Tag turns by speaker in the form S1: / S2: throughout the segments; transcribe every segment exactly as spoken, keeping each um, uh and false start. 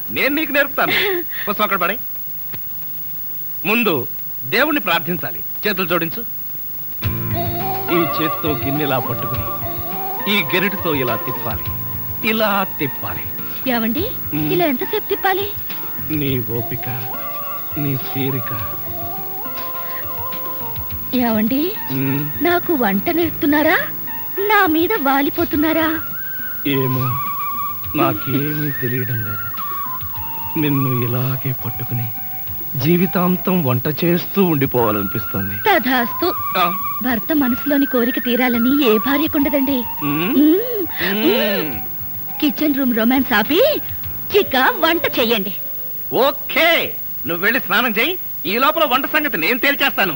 S1: నేను నీకు నేర్పుతాను. పుస్తకం అక్కడ పడే. ముందు దేవుణ్ణి ప్రార్థించాలి. చేతులు జోడించు. ఈ చేతితో గిన్నెలా పట్టుకుని ఈ గెరిటితో ఇలా తిప్పాలి, ఇలా తిప్పాలి.
S2: ఏమండి ఇలా ఎంతసేపు తిప్పాలి?
S1: నీ ఓపిక, నీ తీరిక.
S2: ఏమండి నాకు వంట నేర్పుతున్నారా, నా మీద వాలిపోతున్నారా?
S1: ఏమో, నాకేమీ తెలియడం లేదు. నిన్ను ఇలాగే పట్టుకుని జీవితాంతం వంట చేస్తూ ఉండిపోవాలనిపిస్తుంది.
S2: తధాస్తు. భర్త మనసులోని కోరిక తీరాలని ఏ భార్యకుండదండి. కిచెన్ రూమ్ రొమాన్స్ ఆపి చిక్క వంట చెయ్యండి.
S1: ఓకే, నువ్వు వెళ్ళి స్నానం చెయ్యి. ఈ లోపల వంట సంగతి నేను తేల్చేస్తాను.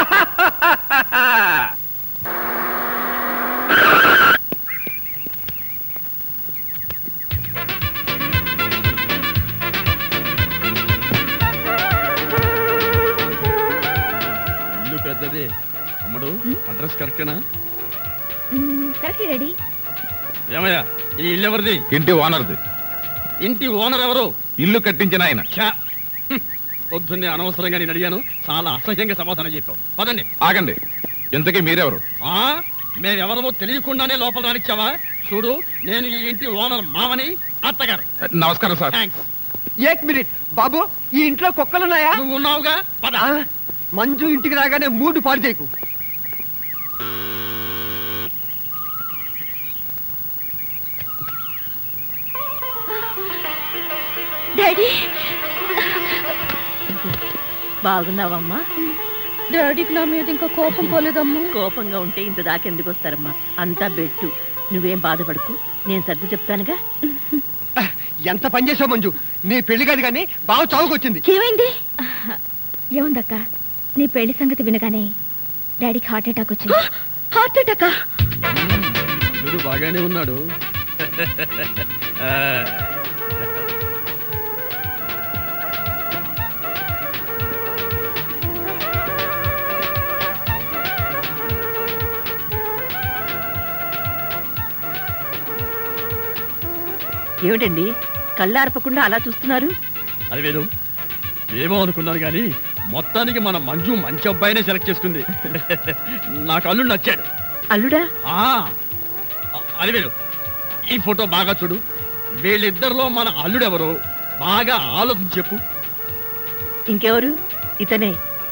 S3: ఇల్లు పెద్దది. అమ్మడు, అడ్రస్ కరెక్టేనా?
S2: Correct ready.
S3: ఏమయ్యా, ఈ ఇల్లు ఎవరిది?
S4: ఇంటి ఓనర్ది.
S3: ఇంటి ఓనర్ ఎవరు?
S4: ఇల్లు కట్టించిన ఆయన.
S3: పొద్దున్నే అనవసరంగా నేను అడిగాను, చాలా అసహ్యంగా సమాధానం చెప్పావు. పదండి.
S4: ఆగండి, ఇంతకీ మీరెవరు?
S3: ఆ మేమెవరమో తెలియకుండానే లోపల రానిచ్చావా? చూడు, నేను ఈ ఇంటి ఓనర్ మామని, అత్తగారు.
S4: నమస్కారం సార్.
S3: థ్యాంక్స్.
S5: ఏక్ మినిట్ బాబు, ఈ ఇంట్లో కుక్కలున్నాయా?
S3: నువ్వు ఉన్నావుగా, పద.
S5: మంజు ఇంటికి రాగానే మూడు పాడు చేయకు.
S2: డాడీ
S6: బాగున్నావమ్మా?
S2: డాడీకి నా మీద ఇంకా కోపం పోలేదమ్మా.
S6: కోపంగా ఉంటే ఇంత దాకెందుకు వస్తారమ్మా? అంతా బెట్టు. నువ్వేం బాధపడకు, నేను సర్ది చెప్తానుగా.
S5: ఎంత పని చేసావు మంజు, నీ పెళ్లి కాదు కానీ బావ చావుకొచ్చింది.
S2: ఏమైంది? ఏముందక్క, నీ పెళ్లి సంగతి వినగానే డాడీకి హార్ట్ అటాక్ వచ్చింది. హార్ట్ అటాకా?
S3: బాగానే ఉన్నాడు.
S6: ఏమిటండి కళ్ళార్పకుండా అలా చూస్తున్నారు?
S3: అది వేరు, ఏమో అనుకున్నాను కానీ మొత్తానికి మన మంజు మంచి అబ్బాయినే సెలెక్ట్ చేసుకుంది. నాకు అల్లుడు నచ్చాడు.
S6: అల్లుడా?
S3: అది వేరు, ఈ ఫోటో బాగా చూడు. వీళ్ళిద్దరిలో మన అల్లుడెవరో బాగా ఆలోచించి చెప్పు.
S6: ఇంకెవరు? ఇతనే.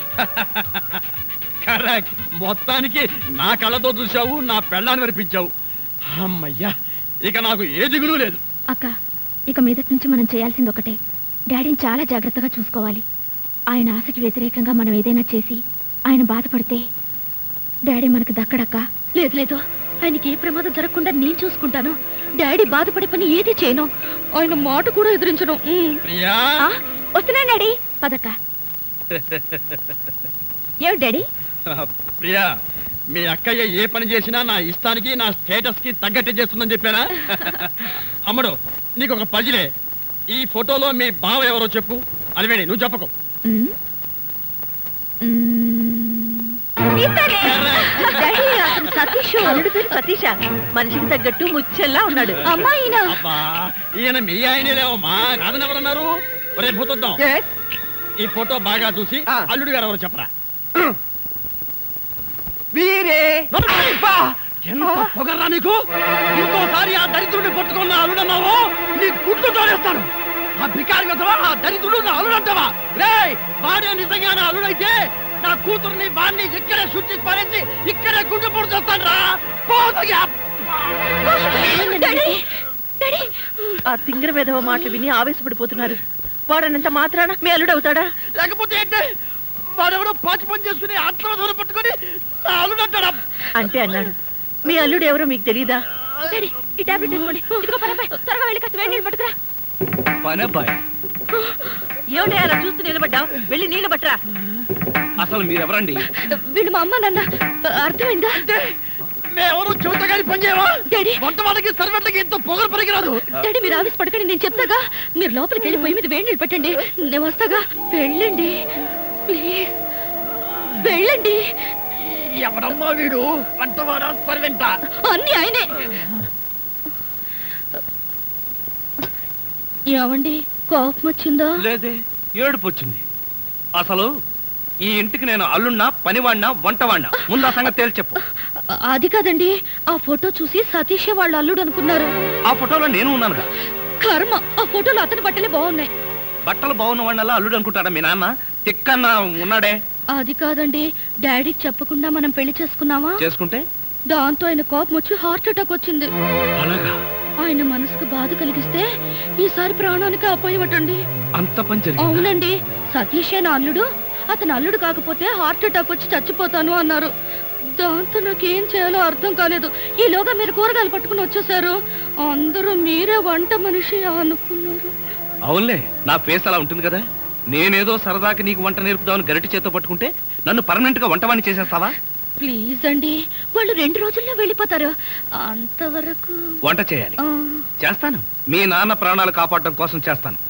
S3: కరెక్ట్. మొత్తానికి నా కళ్ళతో చూశావు, నా పెళ్ళాన్ని వినిపించావు. అమ్మయ్యా, ఇక నాకు ఏ దిగులు లేదు.
S2: అక్క, ఇక మీదటి నుంచి మనం చేయాల్సింది ఒకటే, డాడీని చాలా జాగ్రత్తగా చూసుకోవాలి. ఆయన ఆశకి వ్యతిరేకంగా మనం ఏదైనా చేసి ఆయన బాధపడితే డాడీ మనకు దక్కడక్క. లేదు లేదు, ఆయనకి ఏ ప్రమాదం జరగకుండా నేను చూసుకుంటాను. డాడీ బాధపడే పని ఏది చేయను, ఆయన మాట కూడా ఎదిరించను. వస్తున్నా డాడీ, పదక్క. ఏమిటి డాడీ?
S3: ప్రియా, మీ అక్కయ్య ఏ పని చేసినా నా ఇష్టానికి, నా స్టేటస్ కి తగ్గట్టే చేస్తుందని చెప్పానా? అమ్మడు, నీకు ఒక పజిలే. ఈ ఫోటోలో మీ బావ ఎవరో చెప్పు. అలివేణి, నువ్వు చెప్పకు.
S6: సతీష్, అల్లుడు పేరు సతీష. మనిషికి తగ్గట్టు ముచ్చెల్లా ఉన్నాడు.
S2: అమ్మాయినా?
S3: అబ్బా, ఈయన మీ ఆయనే లేవమ్మా, కాదని ఎవరన్నారు? రేపు పోతుందాం. ఈ ఫోటో బాగా చూసి అల్లుడు గారు ఎవరో చెప్పరా.
S5: వీరే
S3: ఎంత పొగరా నీకు! ఇంకోసారి ఆ దరిద్రుడిని పట్టుకున్న అల్లుడన్నావు, నీ గుడ్లు తోడేస్తాను. ఆ బికారి కదవా, ఆ దరిద్రుడు నా అల్లుడంటావా? రేయ్, వాడే నిజంగా నా అల్లుడైతే నా కూతుర్ని వాడిని ఇక్కడే శుద్ధి పారేసి ఇక్కడే గుడ్డు పొడి చేస్తాను రా.
S6: ఆ తింగర విధవ మాటలు విని ఆవేశపడిపోతున్నారు. వాడనంత మాత్రాన మీ అల్లుడు అవుతాడా?
S3: లేకపోతే ఏంటే, వాడెవడో పాచి పని చేసుకుని ఆత్మహత్య పట్టుకుని నా అల్లుడు అంటాడా?
S6: అంటే అన్నాడు. మీ అల్లుడు ఎవరో మీకు తెలీదా? ఏమిటి అలా చూస్తూ నిలబడ్డావు? వెళ్ళి నీళ్ళు పట్టరా.
S1: అసలు మీరెవరండి?
S2: వీళ్ళు మా అమ్మ నాన్న. అర్థమైందా?
S3: మేమెవరు చెబుతా కానీ పని చేయవా? వంట వాళ్ళకి సర్వెంట్లకి ఎంతో పొగలు పనికిరాదు.
S2: డాడీ, మీరు ఆవేశ పడకండి, నేను చెప్తాగా. మీరు లోపలికి వెళ్ళి పొయ్యి మీద వేడి నీళ్ళు పెట్టండి, నేను వస్తాగా. వెళ్ళండి ప్లీజ్, వెళ్ళండి.
S3: ఎవడమ్మా వీడు? వంటవాడా సర్వెంటా?
S2: అన్ని ఆయనే. ఏమండి, కోపం వచ్చిందా?
S1: లేదే, ఏడుపు వచ్చింది. అసలు ఈ ఇంటికి నేను అల్లున్నా, పనివాడినా, వంటవాడినా? ముందు ఆ సంగతి తేల్చి చెప్పు.
S2: అ- అది కాదండి, ఆ ఫోటో చూసి సతీషే వాళ్ళ అల్లుడు అనుకున్నారు.
S1: ఆ ఫోటోలో నేను ఉన్నానుగా.
S2: కర్మ, ఆ ఫోటోలో అతని బట్టలే బాగున్నాయి.
S1: బట్టలు బాగున్న వాడినల్లా అల్లుడు అనుకుంటాడా మీ నాన్న? తిక్కన్న ఉన్నాడే.
S2: అది కాదండి, డాడీకి చెప్పకుండా మనం పెళ్లి చేసుకున్నావా?
S1: చేసుకుంటే
S2: దాంతో ఆయన కోపం వచ్చి హార్ట్ అటాక్ వచ్చింది.
S1: అలాగా?
S2: ఆయన మనసుకు బాధ కలిగిస్తే ఈసారి ప్రాణానికి అపాయమటండి.
S1: అంత పని జరిగిందా?
S2: అవునండి, సతీషే నా అల్లుడు, అతను అల్లుడు కాకపోతే హార్ట్ అటాక్ వచ్చి చచ్చిపోతాను అన్నారు. దాంతో నాకేం చేయాలో అర్థం కాలేదు. ఈలోగా మీరు కూరగాయలు పట్టుకుని వచ్చేసారు. అందరూ మీరే వంట మనిషి అనుకున్నారు.
S1: అవునులే, నా ఫేస్ అలా ఉంటుంది కదా. నేనేదో సరదాకి నీకు వంట నేర్పుదామని గరిటి చేత్తో పట్టుకుంటే నన్ను పర్మనెంట్ గా వంటవాణ్ణి చేసేస్తావా?
S2: ప్లీజ్ అండి, వాళ్ళు రెండు రోజుల్లో వెళ్ళిపోతారు. అంతవరకు
S1: వంట చేయాలి.
S2: ఆ,
S1: చేస్తాను. మీ నాన్న ప్రాణాలు కాపాడటం కోసం చేస్తాను.